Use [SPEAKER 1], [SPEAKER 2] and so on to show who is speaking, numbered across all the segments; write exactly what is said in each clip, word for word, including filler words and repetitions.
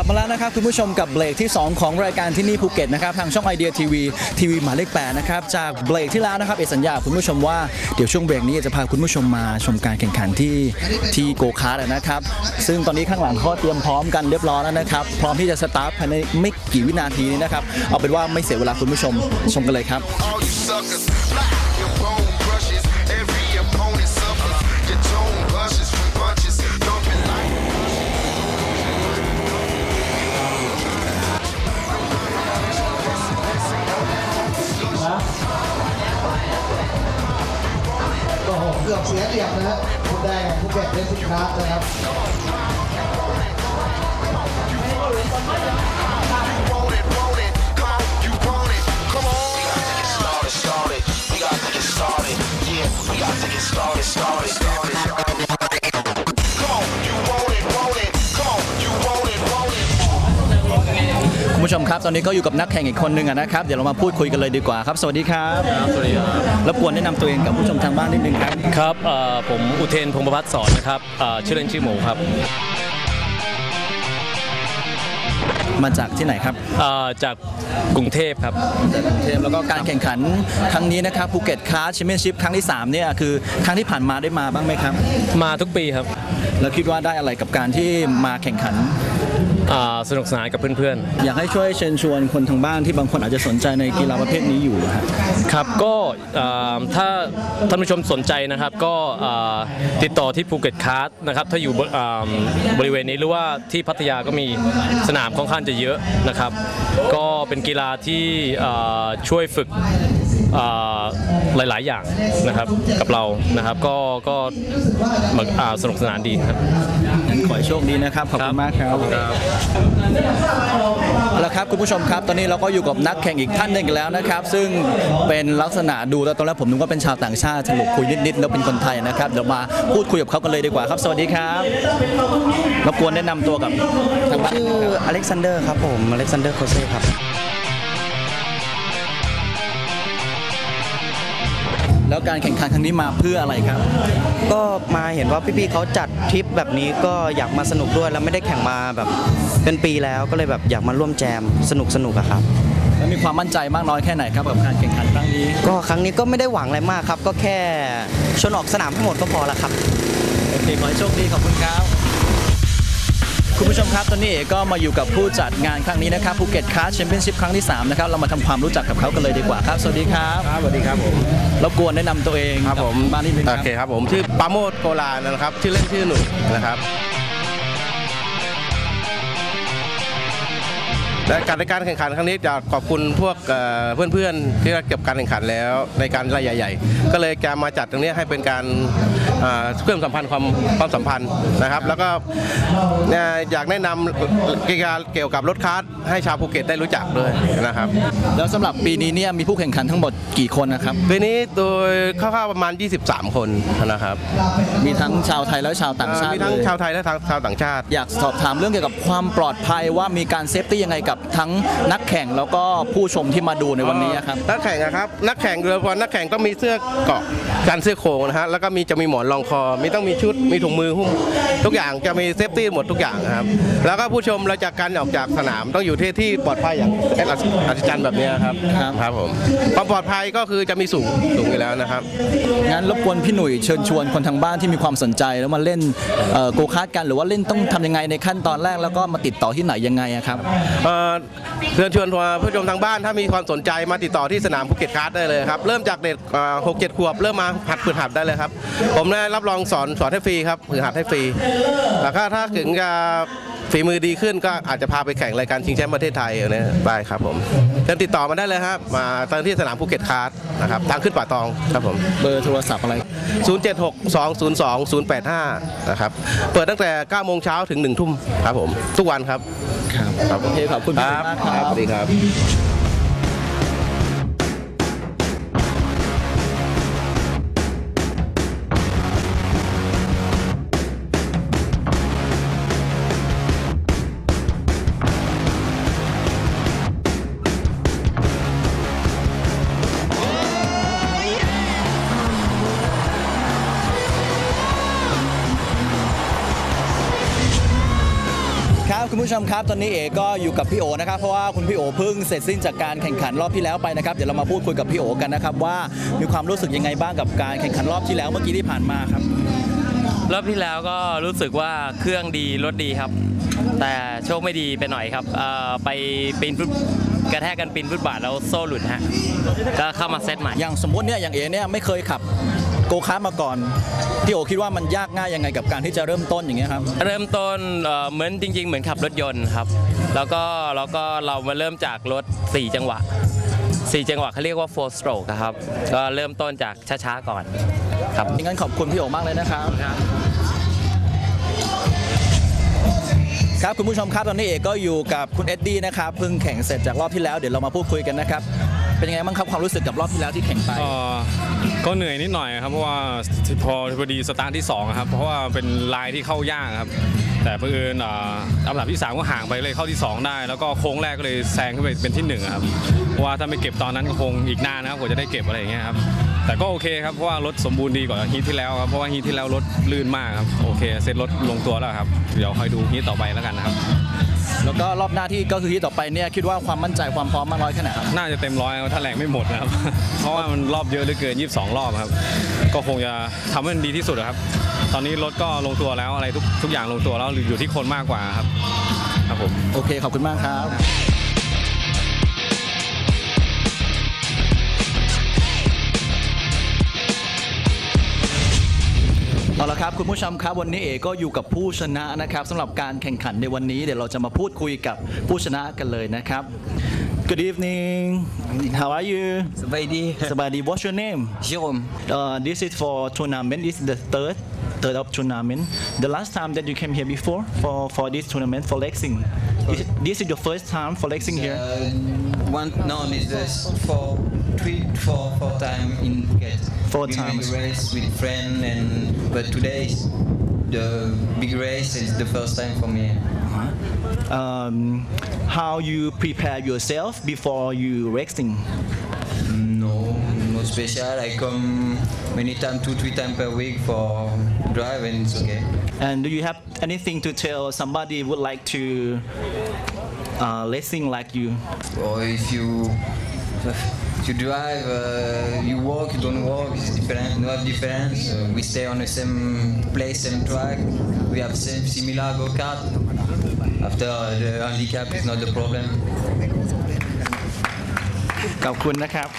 [SPEAKER 1] มาแล้วนะครับคุณผู้ชมกับเบรกที่สองของรายการที่นี่ภูเก็ตนะครับทางช่องไอเดียทีวีทีวีหมายเลขแปดนะครับจากเบรกที่แล้วนะครับเอสัญญาคุณผู้ชมว่าเดี๋ยวช่วงเบรกนี้จะพาคุณผู้ชมมาชมการแข่งขันที่ที่โกคาร์ทนะครับซึ่งตอนนี้ข้างหลังเขาเตรียมพร้อมกันเรียบร้อยแล้วนะครับพร้อมที่จะสตาร์ทภายในไม่กี่วินาทีนี้นะครับเอาเป็นว่าไม่เสียเวลาคุณผู้ชมชมกันเลยครับ
[SPEAKER 2] เกือบเสียเหลี่ยมนะฮะคุณแดงภูเก็ตเรซิ่งคาร์นะครับ
[SPEAKER 1] คุณผู้ชมครับตอนนี้ก็อยู่กับนักแข่งอีกคนหนึ่งนะครับเดี๋ยวเรามาพูดคุยกันเลยดีกว่าครับสวัสดีครับ
[SPEAKER 3] สวัสดีครับ
[SPEAKER 1] รบกวนแนะนำตัวเองกับผู้ชมทางบ้านนิดนึงครับ
[SPEAKER 3] ครับผมอุเทนพงศ์ประภัสสอนนะครับชื่อเล่นชื่อหมูครับ
[SPEAKER 1] มาจากที่ไหนครับ
[SPEAKER 3] จากกรุงเทพครับ
[SPEAKER 1] จากกรุงเทพแล้วก็การแข่งขันครั้งนี้นะครับภูเก็ตคาร์ทแชมเปี้ยนชิพครั้งที่สามเนี่ยคือครั้งที่ผ่านมาได้มาบ้างไหมครับ
[SPEAKER 3] มาทุกปีครับ
[SPEAKER 1] แล้วคิดว่าได้อะไรกับการที่มาแข่งขัน
[SPEAKER 3] สนุกสนานกับเพื่อน
[SPEAKER 1] ๆอยากให้ช่วยเชิญชวนคนทางบ้านที่บางคนอาจจะสนใจในกีฬาประเภทนี้อยู่ครับ
[SPEAKER 3] ครับก็ถ้าท่านผู้ชมสนใจนะครับก็ติดต่อที่ภูเก็ตคาร์ทนะครับถ้าอยู่บริเวณนี้หรือว่าที่พัทยาก็มีสนามค่อนข้างจะเยอะนะครับก็เป็นกีฬาที่ช่วยฝึกหลายๆอย่างนะครับกับเรานะครับก็ก็สนุกสนานดีครับ
[SPEAKER 1] ขอให้โชคดีนะครับขอบคุณมากครับแล้วครับคุณผู้ชมครับตอนนี้เราก็อยู่กับนักแข่งอีกท่านหนึ่งแล้วนะครับซึ่งเป็นลักษณะดูแล้วตอนแรกผมนึกว่าเป็นชาวต่างชาติสรุปคุยนิดๆแล้วเป็นคนไทยนะครับเดี๋ยวมาพูดคุยกับเขากันเลยดีกว่าครับสวัสดีครับรบกวนแนะนำตัวกับทางบ้าน
[SPEAKER 4] ชื่ออเล็กซานเดอร์ครับผมอเล็กซานเดอร์โคเซ่ครับ
[SPEAKER 1] แล้วการแข่งขันครั้งนี้มาเพื่ออะไรครับ
[SPEAKER 4] ก็มาเห็นว่าพี่ๆเขาจัดทริปแบบนี้ก็อยากมาสนุกด้วยแล้วไม่ได้แข่งมาแบบเป็นปีแล้วก็เลยแบบอยากมาร่วมแจมสนุกสนุกอะครับ
[SPEAKER 1] แล้วมีความมั่นใจมากน้อยแค่ไหนครับกับการแข่งขันครั้งนี้
[SPEAKER 4] ก็ครั้งนี้ก็ไม่ได้หวังอะไรมากครับก็แค่ชนออกสนามทั้งหมดก็พอละครับ
[SPEAKER 1] โอเคขอให้โชคดีขอบคุณครับคุณผู้ชมครับตอนนี้เอกก็มาอยู่กับผู้จัดงานครั้งนี้นะครับภูเก็ตคาร์ทแชมเปี้ยนชิพครั้งที่สามนะครับเรามาทำความรู้จักกับเขากันเลยดีกว่าครับสวัสดีครับ
[SPEAKER 5] ครับสวัสดีครับผม
[SPEAKER 1] รบกวนแนะนำตัวเอง
[SPEAKER 5] ครับผม
[SPEAKER 1] บ้านนิดนึง
[SPEAKER 5] โอเคครับผมชื่อปราโมทย์โกลานะครับชื่อเล่นชื่อหนุ่ยนะครับและการในการแข่งขันครั้งนี้จะขอบคุณพวกเพื่อนๆที่เก็บการแข่งขันแล้วในการรายใหญ่ๆก็เลยจะมาจัดตรงนี้ให้เป็นการเพิ่มสัมพันธ์ความความสัมพันธ์นะครับแล้วก็อยากแนะนำกีฬาเกี่ยวกับรถคาร์ทให้ชาวภูเก็ตได้รู้จักด้วยนะครับ
[SPEAKER 1] แล้วสำหรับปีนี้เนี่ยมีผู้แข่งขันทั้งหมดกี่คนนะครับ
[SPEAKER 5] ปีนี้โดยคร่าวๆประมาณยี่สิบสามคนนะครับ
[SPEAKER 1] มีทั้งชาวไทยและชาวต่างชาติ
[SPEAKER 5] มีทั้งชาวไทยและชาวต่างชาติ
[SPEAKER 1] อยากสอบถามเรื่องเกี่ยวกับความปลอดภัยว่ามีการเซฟตี้ยังไงกับทั้งนักแข่งแล้วก็ผู้ชมที่มาดูในวันนี้ครับ
[SPEAKER 5] นักแข่งนะครับนักแข่งโดยเฉพาะนักแข่งต้องมีเสื้อเกราะกันเสื้อโครงนะฮะแล้วก็มีจะมีหมอนรองคอมีต้องมีชุดมีถุงมือหุ้มทุกอย่างจะมีเซฟตี้หมดทุกอย่างครับแล้วก็ผู้ชมเราจากการออกจากสนามต้องอยู่ที่ที่ปลอดภัยอย่างอัศจรรย์แบบนี้ครับครับผมความปลอดภัยก็คือจะมีสูงสูงอยู่แล้วนะครับ
[SPEAKER 1] งั้นรบกวนพี่หนุ่ยเชิญชวนคนทางบ้านที่มีความสนใจแล้วมาเล่นโกคาร์ทกันหรือว่าเล่นต้องทำยังไงในขั้นตอนแรกแล้วก็มาติดต่อที่ไหนยังไงครับ
[SPEAKER 5] เชิญชวนผู้ชมทางบ้านถ้ามีความสนใจมาติดต่อที่สนามภูเก็ตคาร์ทได้เลยครับเริ่มจากเด็กหกเจ็ดขวบเริ่มมาหัดฝึกหัดได้เลยครับผมได้รับรองสอนสอนให้ฟรีครับฝึกหัดให้ฟรีแล้วก็ถ้าถึงจะฝีมือดีขึ้นก็อาจจะพาไปแข่งรายการชิงแชมป์ประเทศไทยเนี่ยได้ครับผมเชิญติดต่อมาได้เลยครับมาตอนที่สนามภูเก็ตคาร์ทนะครับทางขึ้นป่าตองครับผม
[SPEAKER 1] เบอร์โทรศัพท์อะไร
[SPEAKER 5] ศูนย์ เจ็ด หก สอง ศูนย์ สอง ศูนย์ แปด ห้านะครับเปิดตั้งแต่เก้าโมงเช้าถึงหนึ่งทุ่มครับผมทุกวันครับ
[SPEAKER 1] ครับโอเคขอบคุณมากครับ
[SPEAKER 5] สวัสดีครับ
[SPEAKER 1] คุณผู้ชมครับตอนนี้เอ๋ก็อยู่กับพี่โอนะครับเพราะว่าคุณพี่โอเพิ่งเสร็จสิ้นจากการแข่งขันรอบที่แล้วไปนะครับเดี๋ยวเรามาพูดคุยกับพี่โอกันนะครับว่ามีความรู้สึกยังไงบ้างกับการแข่งขันรอบที่แล้วเมื่อกี้ที่ผ่านมาครับ
[SPEAKER 6] รอบที่แล้วก็รู้สึกว่าเครื่องดีรถดีครับแต่โชคไม่ดีไปหน่อยครับไปปีนฟุตกระแทกกันปีนฟุตบาทแล้วโซ่หลุดฮะก็เข้ามาเซตใหม่
[SPEAKER 1] อย่างสมมติเนี่ยอย่างเอ๋เนี่ยไม่เคยขับโกคาร์ทมาก่อนพี่โอคิดว่ามันยากง่ายยังไงกับการที่จะเริ่มต้นอย่างเงี้ยครับ
[SPEAKER 6] เริ่มต้นเหมือนจริงๆเหมือนขับรถยนต์ครับแล้วก็แล้วก็เรามาเริ่มจากรถสี่จังหวะสี่จังหวะเขาเรียกว่า four stroke ครับก็เริ่มต้นจากช้าๆก่อนครับ
[SPEAKER 1] งั้นขอบคุณพี่โอมากเลยนะครับครับคุณผู้ชมครับตอนนี้เอกก็อยู่กับคุณเอ็ดดี้นะครับเพิ่งแข่งเสร็จจากรอบที่แล้วเดี๋ยวเรามาพูดคุยกันนะครับเป็นยังไงบ้างครับความรู้สึกกับรอบที่แล้วที่แข่งไป
[SPEAKER 7] ก็เหนื่อยนิดหน่อยครับเพราะว่าพอพอดีสตาร์ทที่สองครับเพราะว่าเป็นลายที่เข้ายากครับแต่เพื่อนอันดับที่สามก็ห่างไปเลยเข้าที่สองได้แล้วก็โค้งแรกก็เลยแซงขึ้นไปเป็นที่หนึ่งครับเพราะว่าถ้าไม่เก็บตอนนั้นก็คงอีกนานนะครับกว่าจะได้เก็บอะไรอย่างเงี้ยครับแต่ก็โอเคครับเพราะว่ารถสมบูรณ์ดีกว่าฮีทที่แล้วครับเพราะว่าฮีทที่แล้วรถลื่นมากครับโอเคเซ็ตรถลงตัวแล้วครับเดี๋ยวคอยดูฮีทต่อไปแล้วกันนะครับ
[SPEAKER 1] แล้วก็รอบหน้าที่ก็คือที่ต่อไปเนี่ยคิดว่าความมั่นใจความพร้อมมากน้อยแค่ไหนครับ
[SPEAKER 7] น่าจะเต็มร้อยถ้าแรงไม่หมดนะครับเพราะว่ามันรอบเยอะเหลือเกินยี่สิบสองรอบครับก็คงจะทำให้มันดีที่สุดครับตอนนี้รถก็ลงตัวแล้วอะไรทุกทุกอย่างลงตัวแล้วอยู่ที่คนมากกว่าครับครับผม
[SPEAKER 1] โอเคขอบคุณมากครับเอาละครับคุณผู้ชมครับวันนี้เอ๋ก็อยู่กับผู้ชนะนะครับสำหรับการแข่งขันในวันนี้เดี๋ยวเราจะมาพูดคุยกับผู้ชนะกันเลยนะครับ Good evening How are you
[SPEAKER 8] สบายดี
[SPEAKER 1] สบายดี What's your name
[SPEAKER 8] Jerome
[SPEAKER 1] uh, This is for tournament This is the third third of tournament The last time that you came here before for for this tournament for Lexing This, this is your first time for Lexing here
[SPEAKER 8] uh, One no this is for three four four time in Phuket
[SPEAKER 1] Four times
[SPEAKER 8] race with friend and but today is the big race is the first time for me
[SPEAKER 1] um, How you prepare yourself before you racing
[SPEAKER 8] No no special I come many times two three times per week for drive and it's okay
[SPEAKER 1] And do you have anything to tell somebody would like to uh, racing like you
[SPEAKER 8] or if you you drive, uh, you walk, you don't walk, it's different, no have difference. Uh, we stay on the same place, same track. We have same similar go-kart. After uh, the handicap is not the problem.
[SPEAKER 1] ขอบคุณนะครับ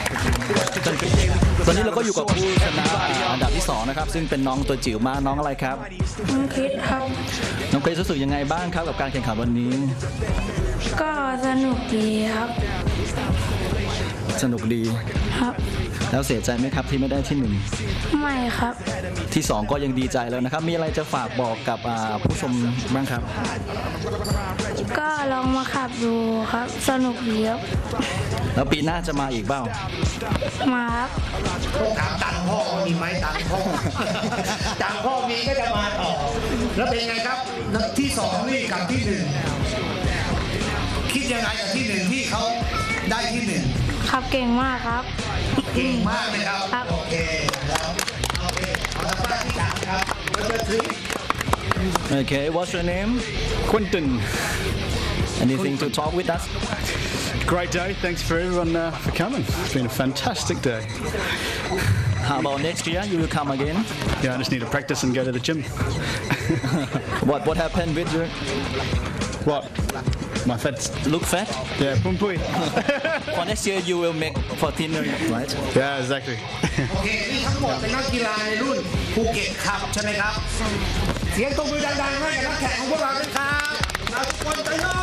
[SPEAKER 1] ตอนนี้เราก็อยู่กับผู้ชนะอันดับที่สองนะครับซึ่งเป็นน้องตัวจิ๋วมากน้องอะไรครับ
[SPEAKER 9] น้องคริสครับ
[SPEAKER 1] น้องคริสรู้สึกยังไงบ้างครับกับการแข่งขันวันนี้
[SPEAKER 9] ก็สนุกดีครับ
[SPEAKER 1] สนุกดี
[SPEAKER 9] ครับ
[SPEAKER 1] แล้วเสียใจไหมครับที่ไม่ได้ที่หนึ่ง
[SPEAKER 9] ไม่ครับ
[SPEAKER 1] ที่สองก็ยังดีใจแล้วนะครับมีอะไรจะฝากบอกกับผู้ชมบ้างครับ
[SPEAKER 9] ก็ลองมาขับดูครับสนุกดีครับ
[SPEAKER 1] แล้วปีหน้าจะมาอีกเปล่า
[SPEAKER 9] มาครับ
[SPEAKER 2] ถามตังพ่อมีไหมตังพ่อตังพ่อมีก็จะมาต่อแล้วเป็นไงครับที่สองนี่กับที่หนึ่งคิดยังไงกับที่หนึ่งที่เขาได้ที่หนึ่ง
[SPEAKER 9] ครับเก่งมากครับ
[SPEAKER 2] เก่งมากเลยครับโอเคแล้วโอเคเอาละป้าที่สามครับเบอร์ทรี
[SPEAKER 1] Okay what's your name
[SPEAKER 10] Quentin
[SPEAKER 1] Anything to talk with us
[SPEAKER 10] Great day thanks for everyone uh, for coming It's been a fantastic day
[SPEAKER 1] How about next year you will come again
[SPEAKER 10] Yeah I just need to practice and go to the gym
[SPEAKER 1] What what happened with you
[SPEAKER 10] What My fat
[SPEAKER 1] look fat
[SPEAKER 10] Yeah pum pui
[SPEAKER 1] For next year you will make fourteen right
[SPEAKER 10] Yeah exactly
[SPEAKER 2] โอเคนี่ทั้งหมดเป็นนักกีฬาในรุ่นภูเก็ตครับใช่ไหมครับเสียงตบมือดังๆให้กับนักแข่งของพวกเราด้วยครับเราทุกคนไปโย่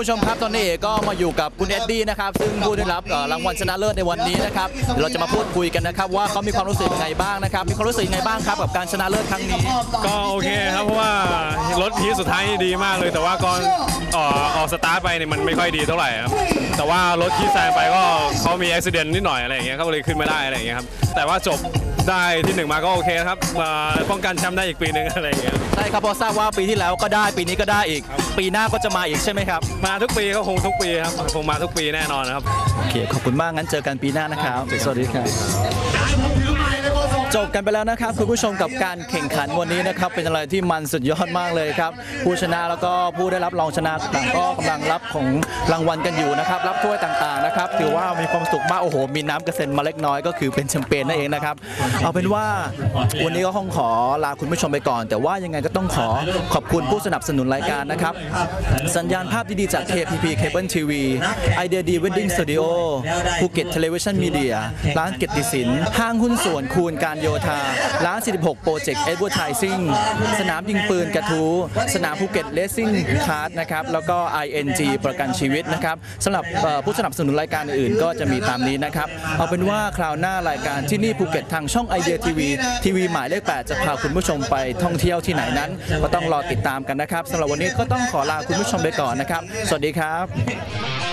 [SPEAKER 1] ผู้ชมครับตอนนี้เอกก็มาอยู่กับคุณเอ็ดดี้นะครับซึ่งผู้ได้รับเอ่อรางวัลชนะเลิศในวันนี้นะครับเดี๋ยวเราจะมาพูดคุยกันนะครับว่าเขามีความรู้สึกยังไงบ้างนะครับมีความรู้สึกยังไงบ้างครับกับการชนะเลิศครั้งนี้
[SPEAKER 7] ก็โอเคครับเพราะว่ารถทีสุดท้ายนี่ดีมากเลย แต่ว่าก่อนเอ่อออกสตาร์ทไปเนี่ยมันไม่ค่อยดีเท่าไหร่ครับแต่ว่ารถที่แซงไปก็เขามีอุบิเหตุนิดหน่อยอะไรอย่างเงี้ยเขาเลยขึ้นไม่ได้อะไรอย่างเงี้ยครับแต่ว่าจบได้ที่หนึ่งมาก็โอเคครับมาป้องกันแชมป์ได้อีกปีหนึ่งอะไรอย่างเงี้ย
[SPEAKER 1] ใช่ครับเพราะทราบว่าปีที่แล้วก็ได้ปีนี้ก็ได้อีก ปีหน้าก็จะมาอีกใช่ไหมครับ
[SPEAKER 7] มาทุกปีก็คงทุกปีครับคงมาทุกปีแน่นอนครับ
[SPEAKER 1] โอเคขอบคุณมากงั้นเจอกันปีหน้านะครับสวัสดีครับจบกันไปแล้วนะครับคุณผู้ชมกับการแข่งขันวันนี้นะครับเป็นอะไรที่มันสุดยอดมากเลยครับผู้ชนะแล้วก็ผู้ได้รับรองชนะต่างก็กำลังรับของรางวัลกันอยู่นะครับรับถ้วยต่างๆนะครับถือว่ามีความสุขมากโอ้โหมีน้ำกระเซ็นมาเล็กน้อยก็คือเป็นแชมเปญนั่นเองนะครับเอาเป็นว่าวันนี้ก็คงขอลาคุณผู้ชมไปก่อน แต่ว่ายังไงก็ต้องขอขอบคุณผู้สนับสนุนรายการนะครับสัญญาณภาพดีๆจาก เค พี พี Cable ที วี Idea D Wedding Studio ภูเก็ต Television Media ร้านเกียรติศิลป์ห้างหุ้นส่วนคูณการโยธาร้าน สี่สิบหก Project Advertising สนามยิงปืนกระทู้สนามภูเก็ต Racing Kart นะครับแล้วก็ ไอ เอ็น จี ประกันชีวิตนะครับสำหรับผู้สนับสนุนรายการอื่นๆก็จะมีตามนี้นะครับเอาเป็นว่าคราวหน้ารายการที่นี่ภูเก็ตทางช่อง Idea ที วี ทีวีหมายเลขแปดจะพาคุณผู้ชมไปท่องเที่ยวที่ไหนนั้นก็ต้องรอติดตามกันนะครับสำหรับวันนี้ก็ต้องขอลาคุณผู้ชมไปก่อนนะครับสวัสดีครับ